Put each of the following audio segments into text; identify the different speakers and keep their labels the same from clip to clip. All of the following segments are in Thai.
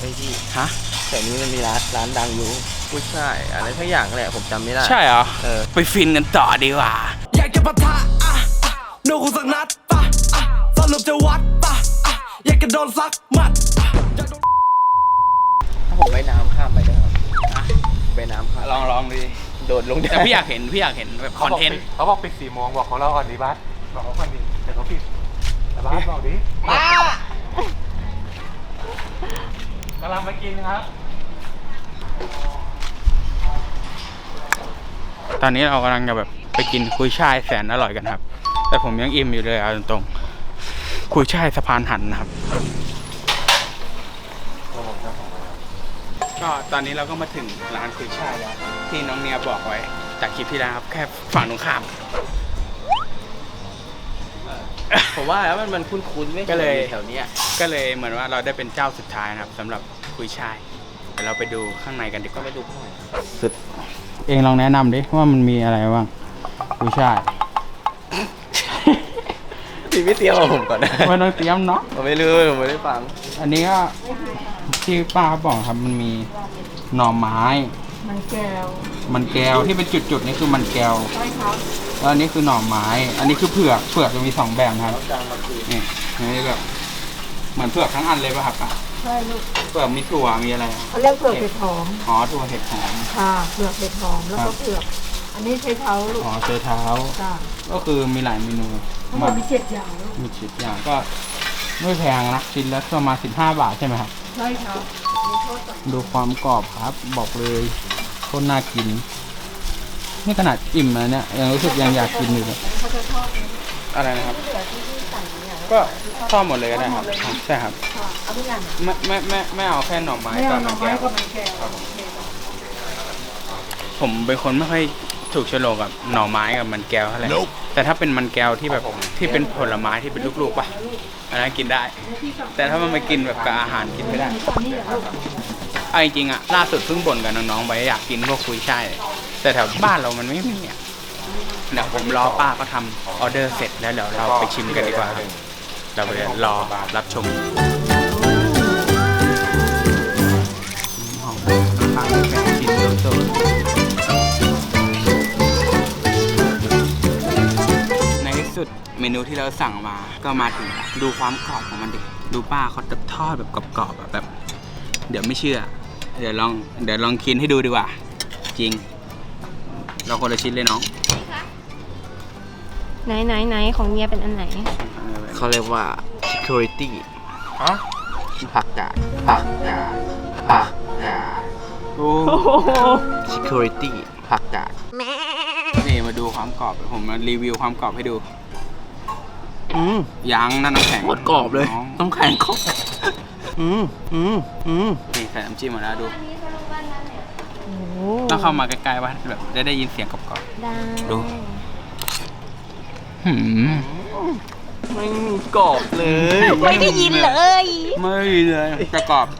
Speaker 1: ฮ้ยพี่
Speaker 2: ฮะ
Speaker 1: แต่นี้มันมีร้านดังอยู่กุ้ยช่ายอะไรทั้งอย่างแหละผมจำไม่ได้
Speaker 2: ใช่เหรอ ไปฟินกันต่อดีกว่า
Speaker 3: อยากจะปะทะโดนกูสักนัดปะสรุปจะวัดปะอยากจะโดนซักหมัด
Speaker 1: ถ้าผมว่ายน้ำข้ามไปได้ครับไปน้ำข้าม
Speaker 2: ลองดูดิ
Speaker 1: โดดลงได้
Speaker 2: แต่พี่อยากเห็นแบบคอนเทนต์
Speaker 4: เขาบอกปิด4 โมงบอกของเราก่อนดิบัสบอกเขาก่อนดิแต่เขาปิดแต่บัสบอกดิกำลังไปกินครับ
Speaker 2: ตอนนี้เรากำลังจะแบบไปกินกุยช่ายแสนอร่อยกันครับ แต่ผมยังอิ่มอยู่เลยเอาตรงๆกุยช่ายสะพานหันนะครับ ก็ตอนนี้เราก็มาถึงร้านกุยช่ายแล้วที่น้องเนียบอกไว้จากคลิปที่แล้วครับแค่ฝั่งตรงข้าม
Speaker 1: ผมว่าแล้วมันคุ้นๆไม่
Speaker 2: ก็เลย
Speaker 1: แถวเนี้ย
Speaker 2: ก็เลยเหมือนว่าเราได้เป็นเจ้าสุดท้ายนะครับสำหรับกุยช่ายเดี๋ยวเราไปดูข้างในกันดีก
Speaker 1: ก็
Speaker 2: ว่า
Speaker 1: ไม่ดูข้างใน
Speaker 2: สุดเองลองแนะนำดิว่ามันมีอะไรบ้างกุยช่าย
Speaker 1: พี่ไม่เตรียมกับผมก่อนนะ
Speaker 2: ไม่ต้องเตรียมเนาะ
Speaker 1: ผมไม่รู้ผมไม่ได้ฟัง
Speaker 2: อันนี้ก็ที่ป้าเขาบอกครับมันมีหน่อไม้
Speaker 5: มันแก้ว
Speaker 2: มันแก้วที่เป็นจุดๆนี่คือมันแก้ว
Speaker 5: ใช่ครับ
Speaker 2: แล้วอันนี้คือหน่อไม้ อันนี้คือเผือกจะมี2แบบครับนี่อันนี้แบบเหมือนเผือกทั้งอันเลยป่ะครับป้า
Speaker 5: ใช่ลูก
Speaker 2: เผือกมีถั่วมีอะไร
Speaker 5: เขาเรียกเผือกเห็ดหอม
Speaker 2: อ๋อถั่วเห็ดหอม
Speaker 5: ค่ะเผือกเห็ดหอมแล้วก็เผือก อันนี้ใช้เท้าลูก
Speaker 2: อ๋อเจอเท้า
Speaker 5: ค่ะ
Speaker 2: ก็คือมีหลายเมนู
Speaker 5: ทั้งหมดมี7อย่างลูก
Speaker 2: มีชิ้นอย่างก็ไม่แพงนะชิ้นละประมาณ15 บาทใช่ไหมครับ
Speaker 5: ใช่ครับมีโทษต่อ
Speaker 2: ดูความกรอบครับ บอกเลยโคตรน่ากิน นี่ขนาดอิ่มแล้วเนี่ยยังรู้สึกยังอยากกินอยู่เลย
Speaker 5: เขาจะทอดนี้
Speaker 2: อะไรนะครับ
Speaker 5: ที่เหลือที่ใส่เนี่ย
Speaker 2: ก็ทอดหมดเลยก็ได้ครับใช่ครับ
Speaker 5: ค่ะเอาทุกอย่าง
Speaker 2: ไม่เอาแค่หน่อไม้
Speaker 5: ไม่
Speaker 2: กั
Speaker 5: เอา
Speaker 2: บ
Speaker 5: หน่
Speaker 2: มั
Speaker 5: อน ไม้
Speaker 2: แก้ว
Speaker 5: กับมันแก้ว
Speaker 2: ผมเป็นคนไม่ค่อยถูกโฉลกกับหน่อไม้กับมันแก้วเท่าไหร่แต่ถ้าเป็นมันแก้วที่แบบที่เป็นผลไม้ที่เป็นลูกๆป่ะอันนั้นกินได้ แต่ถ้ามันมากินแบบกับอาหารกินไม่ได้
Speaker 5: อันนี้เหรอลูก
Speaker 2: เอาจริงๆอะล่าสุดเพิ่งบ่นกับน้องๆไปอยากกินพวกกุยช่ายแต่แถวบ้านเรามันไม่มีอะเดี๋ยวผมรอป้าก็ทำออเดอร์เสร็จแล้วเดี๋ยวเราไปชิมกันดีกว่าครับเราไปรอรับชมข้างแป้งชิ้นโตในที่สุดเมนูที่เราสั่งมาก็มาถึงแล้วดูความกรอบของมันดิดูป้าเขาทอดแบบกรอบๆแบบ เดี๋ยวไม่เชื่อ เดี๋ยวลองกินให้ดูดีกว่า จริง เราคนละชิ้นเลยน้อง
Speaker 6: ไหนของเมียเป็นอันไหน
Speaker 1: เขาเรียกว่า security
Speaker 4: ฮะ
Speaker 1: ผักกาด
Speaker 2: โอ้
Speaker 1: security ผักกาด
Speaker 2: นี่มาดูความกรอบผมมารีวิวความกรอบให้ดูยังนั่นน้ำแข็ง
Speaker 1: โคตรกรอบเลย
Speaker 2: น้อง
Speaker 1: ต้องแข็งกรอบ
Speaker 2: นี่ใส่น้ำจิ้มมาแล้วดู
Speaker 6: โอ้
Speaker 2: ต้องเข้ามาใกล้ๆว่าแบบได้ยินเสียงกรอบ
Speaker 6: ได้
Speaker 2: ๆดูหืม
Speaker 1: ไม่มีกรอบเลย
Speaker 6: ไม่ได้ยินเลย
Speaker 2: ไม่เลยจะกรอบ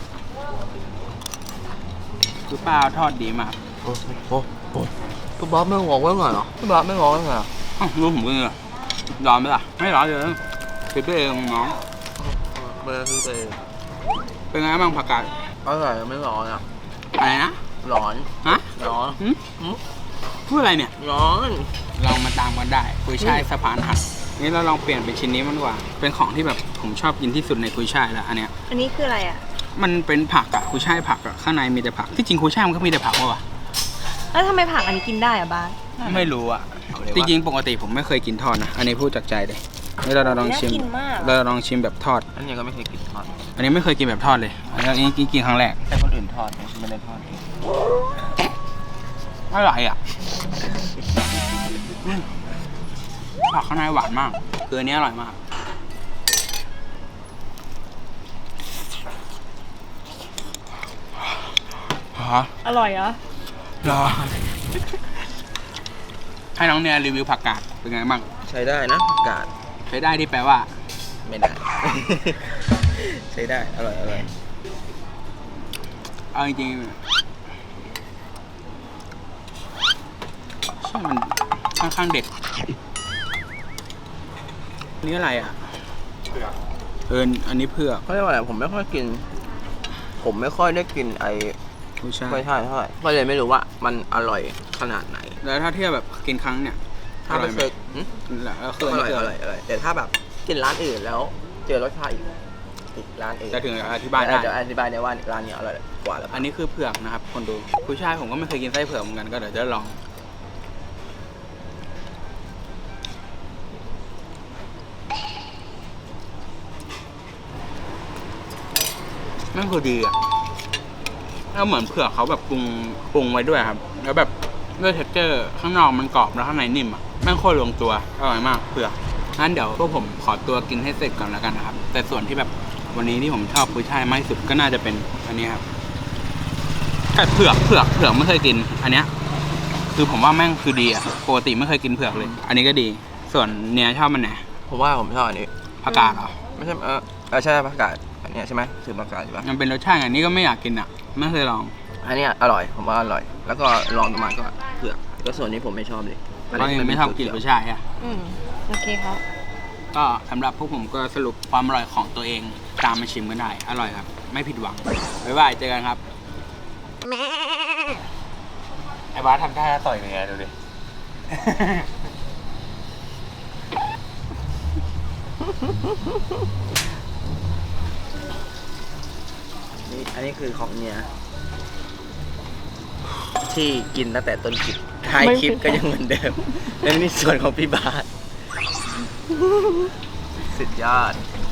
Speaker 2: คือป้าทอดดีมาก
Speaker 1: โอ้พี่บ๊อบไม่งอกไว้หน่อยเหรอพี่บ๊อบไม่งอกไว้หน่อยเหรอ
Speaker 2: อ้าวรู้ผมก็เลยร้อนไหมล่ะไม่ร้อนเลยคิดไปเองน้อง
Speaker 1: เบอร์คือเบอร์
Speaker 2: เป็นไงบ้างผักกาด
Speaker 1: อร่อยไม่ร้อนอ่ะ
Speaker 2: อะไรนะ
Speaker 1: ร้อน
Speaker 2: ฮะ
Speaker 1: ร้อน
Speaker 2: พูดอะไรเนี่ย
Speaker 1: ร้อน
Speaker 2: ลองมาตามกันได้กุยช่ายสะพานหักนี่เราลองเปลี่ยนเป็นชิ้นนี้มันดีกว่า เป็นของที่แบบผมชอบกินที่สุดในกุยช่ายแล้วอันเนี้ย
Speaker 6: อันนี้คืออะไรอ่ะ
Speaker 2: มันเป็นผักอะกุยช่ายผักอะข้างในมีแต่ผักที่จริงกุยช่ายมันก็มีแต่ผักวะ
Speaker 6: แล้วทำไมผักอันนี้กินได้อ่ะบ้าน
Speaker 2: ไม่รู้อะจริงๆปกติผมไม่เคยกินทอดนะอันนี้พูดจากใจเลยนี่เราลองชิม
Speaker 6: น่ากินมาก
Speaker 2: เราลองชิมแบบทอด
Speaker 1: อันนี้ก็ไม่เคยกินทอด
Speaker 2: อันนี้ไม่เคยกินแบบทอดเลยอันนี้กินครั้งแรก
Speaker 1: แต่คนอื่นทอดไม่ได้ทอดเอง
Speaker 2: อร่อยอะผักข้างในหวานมากคืออันนี้อร่อยมากฮะ
Speaker 6: อร่อยเหรอ
Speaker 2: รอให้น้องเนี่ยรีวิวผักกาดเป็นไงบ้าง
Speaker 1: ใช้ได้นะผักกาด
Speaker 2: ใช้ได้ที่แปลว่า
Speaker 1: ไม่ได้ ใช้ได้อร่อยอร่อย
Speaker 2: เอาจริงๆใช่มันค่อนข้างเด็ดนี่อะไรอ่ะ
Speaker 4: เผือก
Speaker 2: อันนี้เผือก
Speaker 1: เขาเรียกว่าอะไรผมไม่ค่อยกินผมไม่ค่อยได้กินไอ้
Speaker 2: ผู้ชาย
Speaker 1: ไม่ใช่เท่าไหร่ก็เลยไม่รู้ว่ามันอร่อยขนาดไหน
Speaker 2: แล้วถ้าเทียบแบบกินครั้งเนี่ยอ
Speaker 1: ถ้า
Speaker 2: ร่อ
Speaker 1: ไม่
Speaker 2: ยไห
Speaker 1: เค
Speaker 2: ม
Speaker 1: ยหึ
Speaker 2: แล้วคือ
Speaker 1: อ
Speaker 2: อัน
Speaker 1: ร่
Speaker 2: นี้
Speaker 1: อย
Speaker 2: คือ
Speaker 1: อร่อยอร่อยแต่ถ้าแบบกินร้านอื่นแล้วเจอรสชาติอีกร้านอื่น
Speaker 2: จะถึงอธิบายได้
Speaker 1: เดี๋ยวอธิบายได้ว่าร้านนี้อร่อยกว่าแล้ว
Speaker 2: อันนี้คือเผือกนะครับคนดูผู้ชายผมก็ไม่เคยกินไส้เผือกเหมือนกันก็เดี๋ยวจะลองนั่นคือดีอ่ะแล้วเหมือนเผือกเขาแบบปรุงไว้ด้วยครับ แล้วแบบด้วยเท็กเจอร์ข้างนอกมันกรอบแล้วข้างในนิ่มอ่ะแม่งโคตรลงตัวอร่อยมากเผือกงั้นเดี๋ยวพวกผมขอตัวกินให้เสร็จก่อนแล้วกันนะครับ แต่ส่วนที่แบบวันนี้ที่ผมชอบกุ้ยช่ายมากที่สุดก็น่าจะเป็นอันนี้ครับแต่เผือกไม่เคยกิน อันเนี้ยคือผมว่าแม่งคือดีอ่ะปกติไม่เคยกินเผือกเลย อันนี้ก็ดี ส่วนเนี้ยชอบมันไหน
Speaker 1: ผมว่าผมชอบอันนี้
Speaker 2: ผักกาดเหรอ
Speaker 1: ไม่ใช่ใช่ผักกาดอันเนี้ยใช่ไหมคือผักกาดใช่ปะ
Speaker 2: มันเป็นรสชาติอันนี้ก็ไม่อยากกินอ่ะไม่เคยลอง
Speaker 1: อันเนี้ยอร่อยผมว่าอร่อย แล้วก็ลองประมาณก็เผือกก็ส่วนนี้ผมไม่ชอบเลย
Speaker 2: เพราะยังไม่ชอบกินกุ้ยช่ายอ่ะ
Speaker 6: โอเคครับ
Speaker 2: ก็สำหรับพวกผมก็สรุปความอร่อยของตัวเองตามมาชิมกันได้ อร่อยครับ ไม่ผิดหวัง บ๊ายบาย เจอกันครับ
Speaker 4: ไอ้บาสทำท่าต่อยยังไงดูดิ
Speaker 1: นี่อันนี้คือของเนี่ยที่กินตั้งแต่ต้นคลิปท้ายคลิปก็ยังเหมือนเดิม และนี่ส่วนของพี่บาสสุดยอด